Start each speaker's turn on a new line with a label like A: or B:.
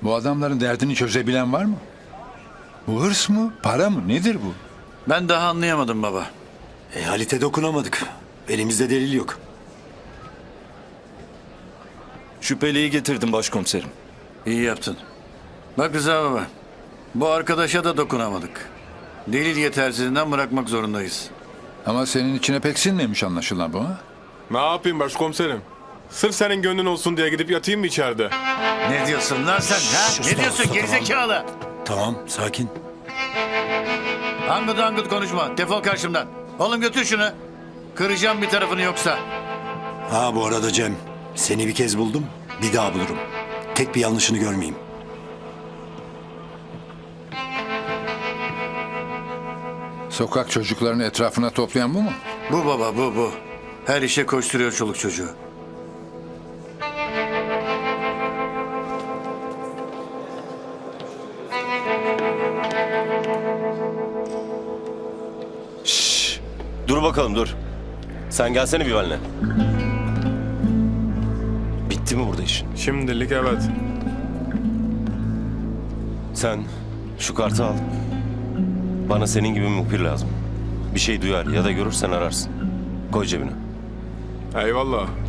A: Bu adamların derdini çözebilen var mı? Bu hırs mı? Para mı? Nedir bu?
B: Ben daha anlayamadım baba.
C: Halit'e dokunamadık. Elimizde delil yok.
D: Şüpheliyi getirdim başkomiserim.
B: İyi yaptın. Bak Rıza baba. Bu arkadaşa da dokunamadık. Delil yetersizliğinden bırakmak zorundayız.
A: Ama senin içine pek sinmemiş anlaşılan bu ha?
E: Ne yapayım başkomiserim? Sırf senin gönlün olsun diye gidip yatayım mı içeride?
B: Ne diyorsun lan sen ha?
C: Sus
B: Ne
C: lan,
B: diyorsun
C: sus,
B: gerizekalı?
C: Tamam, sakin.
B: Angıt angıt konuşma. Defol karşımdan. Oğlum götür şunu. Kıracağım bir tarafını yoksa.
C: Ha bu arada Cem, seni bir kez buldum, bir daha bulurum. Tek bir yanlışını görmeyeyim.
A: Sokak çocuklarını etrafına toplayan bu mu?
B: Bu baba bu. Her işe koşturuyor çoluk çocuğu.
F: Dur bakalım dur. Sen gelsene bir benimle. Bitti mi burada işin?
E: Şimdilik evet.
F: Sen şu kartı al. Bana senin gibi muhbir lazım. Bir şey duyar ya da görürsen ararsın. Koy cebine.
E: Eyvallah.